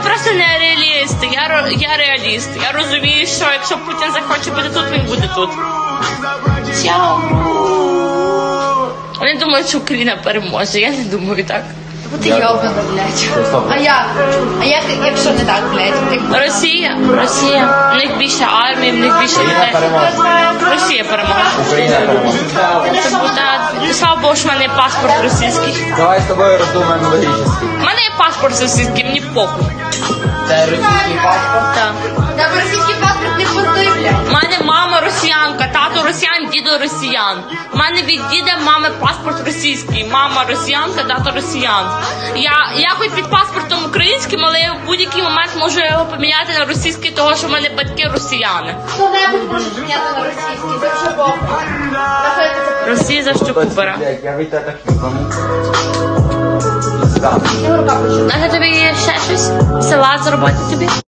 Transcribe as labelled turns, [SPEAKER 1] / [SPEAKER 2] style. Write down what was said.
[SPEAKER 1] просто не реаліст, я реаліст. Я розумію, що якщо Путін захоче бути тут, він буде тут. Чао. Вони думають, що Україна переможе, я не думаю так.
[SPEAKER 2] Ти йобана, блядь. А як? А як, якщо не так, блядь?
[SPEAKER 1] Росія. В них більше армії, в них більше людей. Росія переможе.
[SPEAKER 3] Україна переможе.
[SPEAKER 1] Слава Богу, що в мене є паспорт російський.
[SPEAKER 3] Давай з тобою роздумаємо логічно.
[SPEAKER 1] У мене є паспорт російський, мені похуй.
[SPEAKER 3] Це російський паспорт?
[SPEAKER 1] Так.
[SPEAKER 2] Та російський паспорт не пустой, блядь.
[SPEAKER 1] У мене мама росіянка, тато росіян, дідо росіян. У мене від діда мами паспорт російський. Мама росіянка, тато росіян. Я хоч під паспортом українським, але я в будь-який момент можу його поміняти на російський, того що в мене батьки росіяни.
[SPEAKER 2] Хто-небудь може зняти на російський, це вже Бог.
[SPEAKER 1] Росія за щоку бере.
[SPEAKER 3] Я від тебе хлібом.
[SPEAKER 2] Рука почула.
[SPEAKER 1] Може тобі є ще щось? Салат зробити тобі?